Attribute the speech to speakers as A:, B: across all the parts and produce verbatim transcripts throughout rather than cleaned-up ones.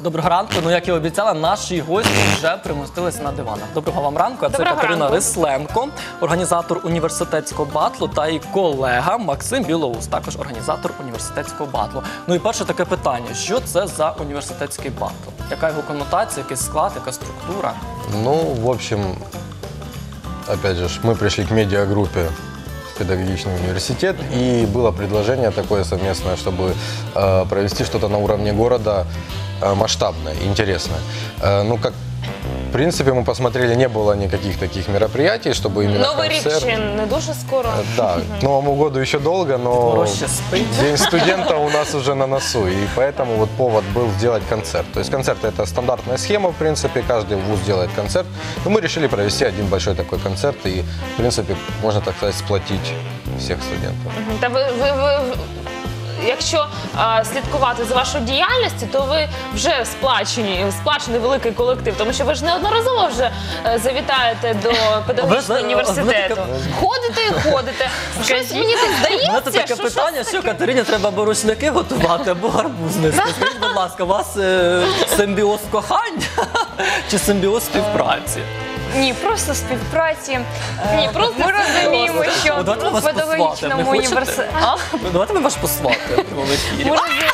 A: Доброго ранку. Ну, як і обіцяла, наші гості вже примостилися на диванах. Доброго вам ранку. А це
B: Доброго
A: Катерина
B: ранку.
A: Рисленко, організатор університетського батлу, та і колега Максим Білоус, також організатор університетського батлу. Ну і перше таке питання. Що це за університетський батл? Яка його коннотація, який склад, яка структура?
C: Ну, в общем, опять же, мы пришли к медиагруппе «Педагогичный университет», и было предложение такое совместное, чтобы э, провести что-то на уровне города э, масштабное, интересное. Э, ну, как, в принципе, мы посмотрели, не было никаких таких мероприятий, чтобы именно
B: Новий рік
C: концерт.
B: ще не дуже скоро.
C: Э, Да, к Новому году еще долго, но
A: Мороз ще спить.
C: День студента у нас уже на носу, и поэтому вот повод был сделать концерт. То есть концерт — это стандартная схема, в принципе, каждый вуз делает концерт. Но мы решили провести один большой такой концерт и, в принципе, можно, так сказать, сплотить всех студентов.
B: Мгм. Та ви, ви, ви, якщо а, слідкувати за вашою діяльністю, то ви вже сплачені, сплачений великий колектив, тому що ви ж неодноразово вже е, завітаєте до педагогічного
A: знаєте,
B: університету. Ходите і ходите. Щось мені так
A: У мене
B: здається,
A: таке
B: що
A: питання, що Катерині треба або рушники готувати, або гарбуз нести. Скажіть, будь ласка, у вас е, симбіоз кохання чи симбіоз співпраці?
D: Ні, просто співпраці.
B: Ні, просто
D: Ми розуміємо, що
A: Ну, давайте ми вас
D: в педагогічному
A: посватаємо. Не хочете?
D: університеті.
A: Ну, давайте ми ваш посвати в ефірі.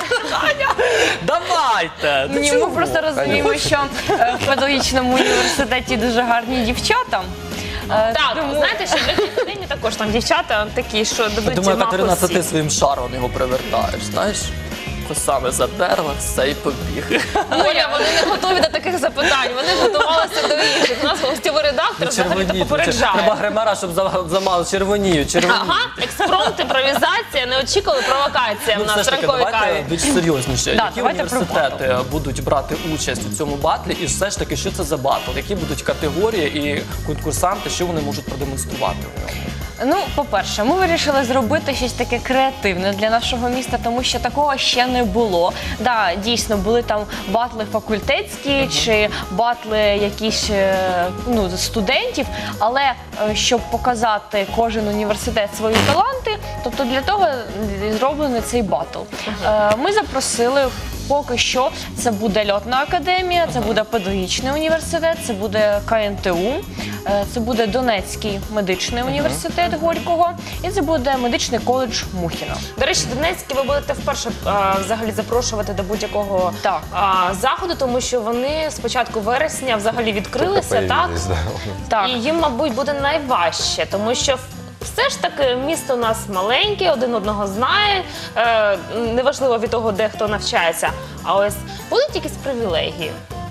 A: Давайте! Ну,
D: Ні,
A: чого?
D: ми просто розуміємо, що е, в педагогічному університеті дуже гарні дівчата. Е,
B: так,
D: тому-
B: знаєте, що в Легкій академії також там дівчата такі, що
A: Я
B: дадуть
A: думаю, Катерина, це
B: мапу
A: ти
B: всі.
A: своїм шаром його привертаєш, знаєш? Косами задерла, все і побіг.
B: Оля, вони не готові до таких запитань, вони готувалися до інших. У нас гостєвий редактор взагалі
A: Червоніють. Треба
B: попереджає.
A: гримера, щоб за- замало червоніють. червоніють.
B: Ага, експромт, імпровізація, неочікувана провокація
A: Ну,
B: в
A: все
B: нас
A: ж
B: в
A: таки,
B: ранковій
A: давайте
B: каві.
A: більш серйозніше.
D: Да,
A: Які
D: давайте про
A: університети будуть брати участь у цьому батлі? І все ж таки, що це за батл? Які будуть категорії і конкурсанти, що вони можуть продемонструвати у ньому?
D: Ну, по-перше, ми вирішили зробити щось таке креативне для нашого міста, тому що такого ще не було. Да, дійсно, були там батли факультетські чи батли якісь е, ну, студентів, але е, щоб показати кожен університет свої таланти, тобто для того і зроблений цей батл. Е, Ми запросили. Поки що це буде Льотна академія, це буде педагогічний університет, це буде ка ен те у, е, це буде Донецький медичний університет Горького і це буде медичний коледж Мухіна.
B: До речі, Донецькі ви будете вперше а, взагалі запрошувати до будь-якого
D: Так.
B: а, заходу, тому що вони з початку вересня взагалі відкрилися,
C: Только
B: так?
C: появились, да.
D: Так.
B: І їм, мабуть, буде найважче, тому що все ж таки місто у нас маленьке, один одного знає, е, неважливо від того, де хто навчається. А ось будуть якісь привілегії.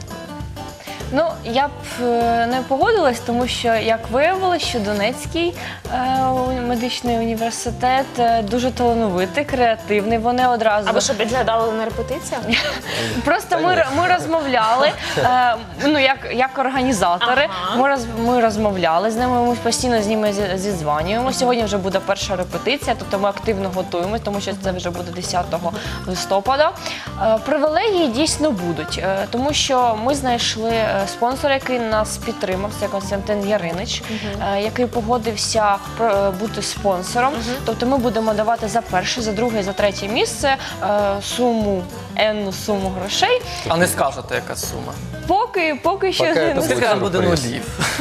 D: Ну, я б е, не погодилась, тому що, як виявилось, що Донецький е, у- медичний університет е, дуже талановитий, креативний. Вони одразу
B: А ви що, підглядали на репетиціях?
D: просто ми, р- ми розмовляли, е, ну як, як організатори.
B: Ага.
D: Ми роз, ми розмовляли з ними. Ми постійно з ними зі- зідзванюємо. Сьогодні вже буде перша репетиція, тобто ми активно готуємося, тому що це вже буде десятого листопада. Е, Привілегії дійсно будуть, е, тому що ми знайшли е, спонсора, який нас підтримав. Це Костянтин Яринич, е, який погодився про- е, бути спонсором. Тобто ми будемо давати за перше, за друге, за третє місце е, суму, енну суму грошей.
A: А не скажете, яка сума?
D: Поки, поки що
C: Поки
D: не
C: це
A: Скільки
C: буде
A: там буде
C: сюрприз.
A: нулів?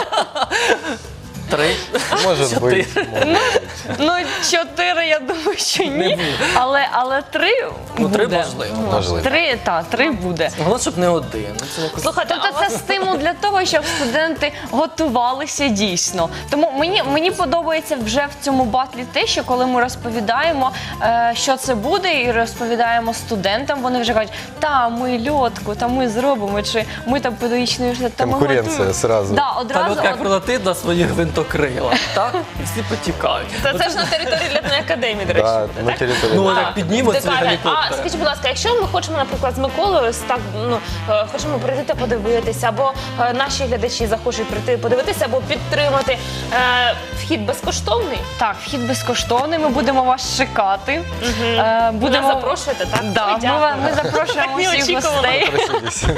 A: Три?
C: Может
A: Чотири.
C: быть. может быть.
D: ну чотири, я думаю, що
A: Не
D: ні.
A: буде.
D: Але але три
A: Ну, три
D: буде.
A: можливо.
C: Можливо.
D: Три, так, три буде.
A: Головне, щоб не один. Ну, це якось-
B: Слухайте, а
D: Тобто
B: у
D: це
B: вас-
D: стимул для того, щоб студенти готувалися дійсно. Тому мені, мені подобається вже в цьому батлі те, що коли ми розповідаємо, е, що це буде, і розповідаємо студентам, вони вже кажуть, та ми льотку, та ми зробимо, чи ми там педагогічний університет, та ми
C: Конкуренція
D: готуємо.
C: зразу.
D: Да,
A: Та
D: одразу,
A: льотка як прилетить на своїх гвинтокрилах, так? І всі потікають.
B: Це, це ж на території літної академії, до речі,
C: Да,
B: буде,
C: на
B: так?
C: территории.
A: Ну,
C: да.
A: як піднімуть ці
B: Декаля. А
A: гелікоптери.
B: скажіть, будь ласка, якщо ми хочемо, наприклад, з Миколою ось так, ну, е, хочемо прийти та подивитися, або е, наші глядачі захочуть прийти подивитися, або підтримати, е, вхід безкоштовний?
D: так, вхід безкоштовний, ми будемо вас чекати. Е,
B: Ви нас запрошуєте, так?
D: Да,
B: Ой,
D: ми,
B: дякую.
D: ва- ми запрошуємо
B: Так
D: всіх
B: неочікувано.
D: гостей.
C: Проситесь.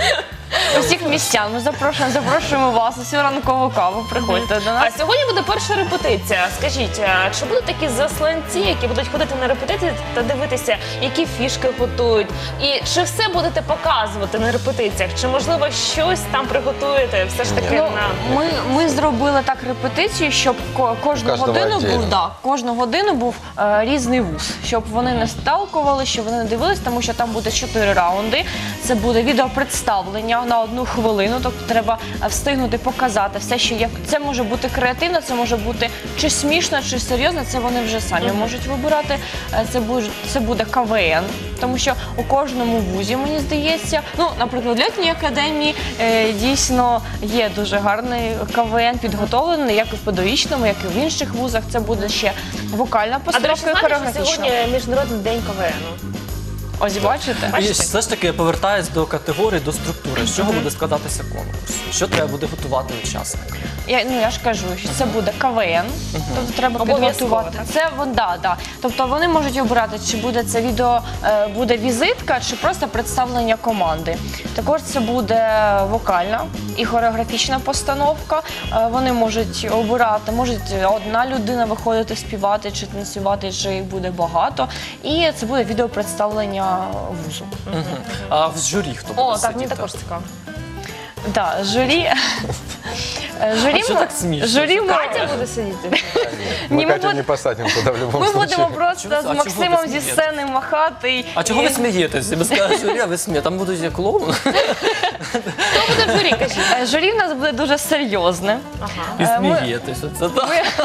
D: усіх містян. Ми запрошуємо, запрошуємо вас усю ранкову каву. Приходьте до нас.
B: А сьогодні буде перша репетиція. Скажіть, а чи будуть такі засланці, які будуть ходити на репетиції та дивитися, які фішки готують? І чи все будете показувати на репетиціях? Чи, можливо, щось там приготуєте все ж таки
C: Ні.
B: на...
D: Ми, ми зробили так репетицію, щоб ко- кожну
C: Кожного
D: годину
C: віддільно.
D: був да, кожну годину був е, різний вуз, щоб вони не сталкували, щоб вони не дивились, тому що там буде чотири раунди. Це буде відеопредставлення на одну хвилину. Тобто треба е, встигнути показати все, що є. Це може бути креативно, це може бути чи смішно, чи серйозно. Це вони вже самі можуть вибирати. Е, Це буде це буде ка ве ен, тому що у кожному вузі, мені здається, ну, наприклад, в літній академії е, дійсно є дуже гарний ка ве ен підготовлений, як і в педагогічному, як і в інших вузах. Це буде ще вокальна
B: А, до речі,
D: постановка і
B: знаєте, що
D: хореографічна.
B: сьогодні Міжнародний день ка ве ену?
D: Ось бачите?
A: І все ж таки повертаюсь до категорії, до структури. З чого буде складатися конкурс? Що треба буде готувати учасник?
D: Я, ну, я ж кажу, що це буде ка ве ен, тобто треба
B: Обов'язково,
D: підготувати.
B: так?
D: Це вон, да, да. Тобто вони можуть обирати, чи буде це відео, е, буде візитка, чи просто представлення команди. Також це буде вокальна і хореографічна постановка. Е, вони можуть обирати, може одна людина виходити співати, чи танцювати, чи їх буде багато. І це буде відеопредставлення вузу.
A: Мгм. А в журі хто буде
B: О, так, мені
A: сидіти?
B: також цікаво.
D: Да, журі. Е, Журі,
A: А що
D: ми-
A: так смішно?
D: журі ми-
B: Катя буде сидіти.
D: Ні,
C: Мы
D: мы
C: Катю
D: вот-
C: не посадим туда в любом
D: Ми
C: случае.
D: будемо просто
A: Чого- а
D: з
A: чого
D: Максимом
A: ви
D: зі
A: смієтесь?
D: сцени махати.
A: А чого
D: і-
A: ви смієтесь? Ви скажете, журі, а ви смієте. Там будуть як клоун.
B: Хто буде в журі, кажіть?
D: Е, Журі в нас буде дуже серйозне.
B: Ага.
A: І
D: Е, ми-
A: смієтесь. Оце так.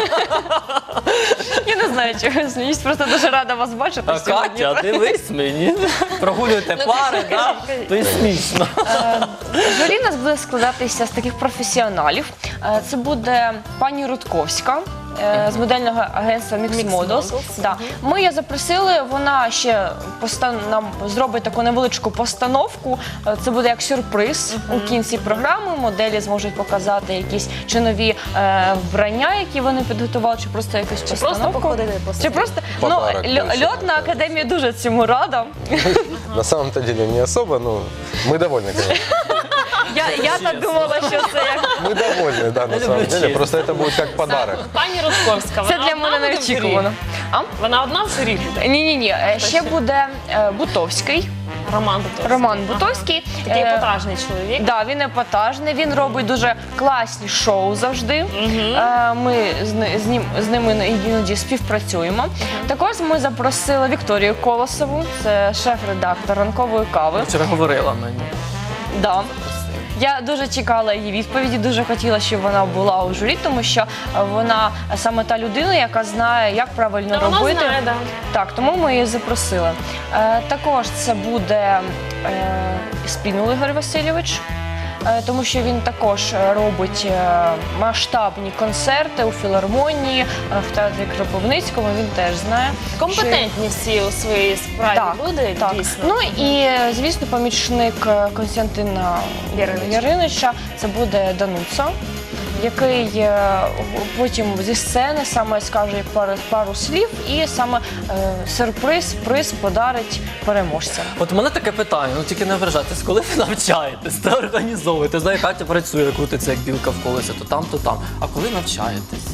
D: Я не знаю, чого я сміюсь, просто дуже рада вас бачити
A: А
D: сьогодні.
A: Катя, дивись мені. Прогулюєте
B: Ну,
A: пари,
B: кажіть,
A: да?
B: кажіть, кажіть.
A: То й смішно.
D: Журі в нас буде складатися з таких професіоналів. Е, Це буде пані Рудковська. е, З модельного агентства Mix
B: Mix
D: Models.
B: Models,
D: Да. Ми її запросили, вона ще постан... нам зробить таку невеличку постановку. Е, Це буде як сюрприз у кінці програми. Моделі зможуть показати якісь чи нові е, вбрання, які вони підготували, чи просто якусь
B: Чи просто
D: постановку.
B: походити по
D: Чи
B: селі?
D: просто ну,
C: Подарок
D: льо-
C: більше,
D: льотна
C: так.
D: академія дуже цьому рада.
C: На самом-то деле не особо, но мы довольны, конечно.
D: Я, я так думала, що це як
C: Мы довольны, да, на
A: Я
C: самом
A: люблю
C: деле.
A: честь.
C: Просто это будет как подарок.
B: Пані Рудковська,
D: це
B: вона
D: для
B: одна
D: мене
B: буде в журі?
D: неочікувано. А?
B: Вона одна в журі буде?
D: Ні, ні, ні. Ще буде е, Бутовський.
B: Роман Бутовський.
D: Роман Бутовський.
B: Такий
D: Е,
B: епатажний чоловік.
D: Да, він епатажний, він робить дуже класні шоу завжди. Е, Ми з, ни- з, ним, з ними іноді співпрацюємо. Також ми запросили Вікторію Колосову, це шеф-редактор ранкової кави.
A: Вчора говорила мені.
D: Да. Я дуже чекала її відповіді, дуже хотіла, щоб вона була у журі, тому що е, вона саме та людина, яка знає, як правильно
B: Та вона
D: робити.
B: знає, да.
D: Так, тому ми її запросили. Е, також це буде е, Спінул Ігор Васильович, е, тому що він також е, робить е, масштабні концерти у філармонії, е, в театрі Кропивницькому, він теж знає.
B: Компетентні всі у своїй справі
D: Так,
B: люди,
D: так.
B: дійсно.
D: Ну і, е, звісно, помічник е, Константина
B: Яринича.
D: Яринича, це буде Дануца, який е, потім зі сцени саме скаже пару, пару слів і саме е, сюрприз, приз подарить переможцям.
A: От у мене таке питання, ну тільки не вражайтесь, коли ви навчаєтесь та організовуєте, знаю, Катя працює, крутиться як білка в колесі, то там, то там. А коли навчаєтесь?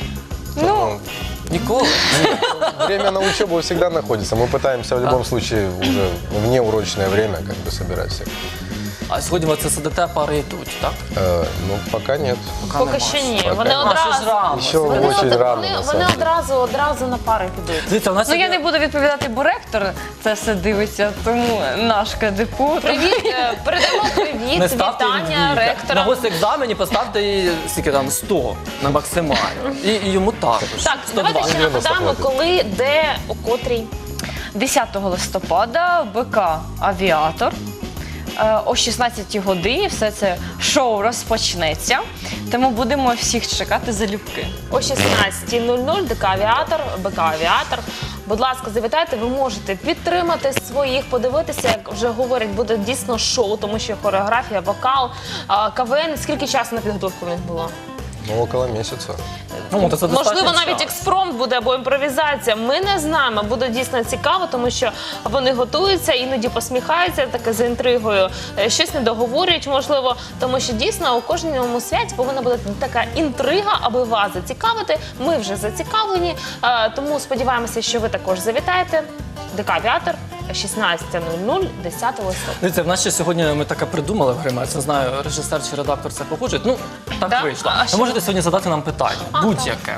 D: Ну,
A: Ніколи.
C: Время на учебу всегда находится. Мы пытаемся в любом случае уже в неурочное время как бы собирать всех.
A: А сьогодні ви це сидите, пари йдуть, так?
C: Э, ну, пока нет.
B: Поки
A: нема.
B: що ні.
C: Поки
B: Вони
C: нема.
A: А, ще ж
B: одразу.
A: рано.
C: Еще
B: Вони,
C: очень
B: од-
C: рано,
B: вони,
C: на
B: вони
C: самом деле.
B: одразу, одразу на пари підуть.
A: Дивіться, у нас
D: ну я
A: є-
D: не буду відповідати, бо ректор це все дивиться, тому наш КДПУ.
B: Привіт, е, передамо привіт,
A: не ставте їй
B: вітання
A: двійка. На
B: ректора.
A: госекзамені поставте їй скільки там сто на максимально. І, і йому також.
B: Так, давайте ще
C: дев'яносто
B: нагадаємо,
C: хватить.
B: коли, де, у котрій.
D: десятого листопада БК «Авіатор». Е, О шістнадцятій годині все це шоу розпочнеться, тому будемо всіх чекати залюбки.
B: О шістнадцятій нуль нуль ДК «Авіатор», БК «Авіатор». Будь ласка, завітайте, ви можете підтримати своїх, подивитися, як вже говорять, буде дійсно шоу, тому що хореографія, вокал, а, ка ве ен. Скільки часу на підготовку в них було?
C: Ну, около месяца.
A: Ну, то це
B: Можливо,
A: достатньо
B: навіть
A: часу.
B: експромт буде або імпровізація. Ми не знаємо. Буде дійсно цікаво, тому що вони готуються, іноді посміхаються, таке за інтригою, е, щось не договорюють, можливо, тому що дійсно у кожному святі повинна бути така інтрига, аби вас зацікавити. Ми вже зацікавлені, е, тому сподіваємося, що ви також завітаєте. ДК «Авіатор», шістнадцята нуль нуль, десятого листопада.
A: Дивіться, в нас ще сьогодні ми таке придумали в гримерці. Не знаю, режисер чи редактор це погоджують. Ну, так
B: Да?
A: вийшло.
B: А
A: Ви
B: що?
A: можете сьогодні задати нам питання.
B: А,
A: Будь-яке.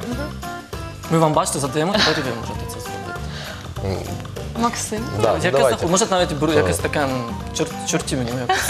A: Ми вам бачите, задаємо, тепер і ви можете це зробити.
D: Максим.
C: Да,
A: Яке
C: давайте.
A: захоп- Може навіть беру
C: Що?
A: якесь таке м, чор... чорті мені. якось.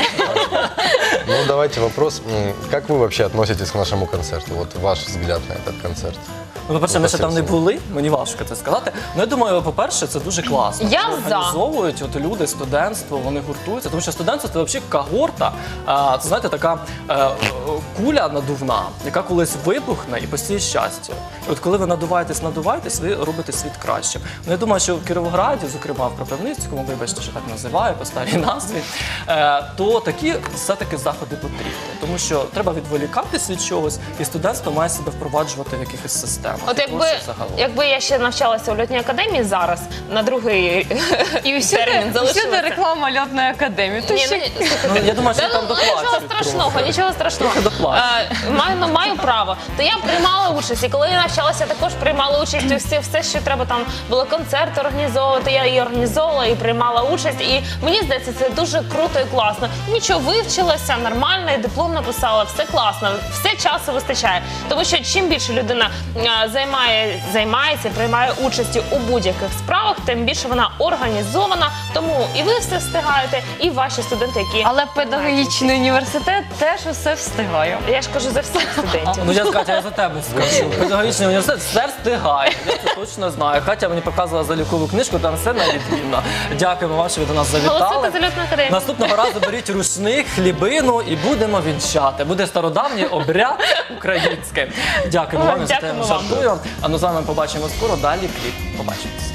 C: Ну, давайте вопрос. М, Как вы вообще относитесь к нашему концерту? Вот ваш взгляд на этот концерт.
A: Ну, по-перше,
C: Ну,
A: ми ще там не
C: спасибо.
A: були, мені важко це сказати. Ну, я думаю, по-перше, це дуже класно.
B: Я
A: Що
B: за.
A: організовують от люди, студентство, вони гуртуються. Тому що студентство це взагалі когорта, а, це, знаєте, така е, е, куля надувна, яка колись вибухне і посіє щастя. І от коли ви надуваєтесь, надуваєтесь, ви робите світ кращим. Ну, я думаю, що в Кіровограді, зокрема в Кропивницькому, вибачте, що так називаю, по старій назві, е, то такі все-таки заходи потрібні. Тому що треба відволікатись від чогось, і студентство має себе впроваджувати в якихось системах.
B: От
A: І
B: якби,
A: творчість загалом.
B: якби я ще навчалася у льотній академії зараз, на другий
D: І всюди,
B: термін
D: всюди
B: залишилася.
D: реклама льотної академії. То
B: Ні,
D: ще-
B: ну, слухайте,
A: Ну, я думаю, що
B: та,
A: там
B: ну, нічого
A: доплачують
B: страшного,
A: трохи.
B: нічого страшного.
A: Трохи доплачують.
B: Е, Маю, ну, маю право. То я приймала участь. І коли я навчалася, також приймала участь у всі, все, що треба там було концерти організовувати. Я і організовувала, і приймала участь. І мені здається, це дуже круто і класно. Нічого, вивчилася, нормально, і диплом написала, все класно, все часу вистачає. Тому що чим більше людина е, займає, займається, приймає участь у будь-яких справах, тим більше вона організована. Тому і ви все встигаєте, і ваші студенти, які
D: Але педагогічний університет теж усе встигає.
B: я ж кажу за всіх студентів.
A: Ну я Катя, я за тебе скажу. Педагогічний університет все встигає. Я це точно знаю. Катя мені показувала залікову книжку, там все навідмінно. Дякуємо вам, що ви до нас завітали.
B: Голосуйте за льотну академію.
A: Наступного разу беріть рушник, хлібину і будемо вінчати. Буде стародавній обряд український. Дякуємо вам, я за те
B: Дякуємо вам.
A: жартую. А ну з вами побачимо скоро. Далі кліп. Побачимось.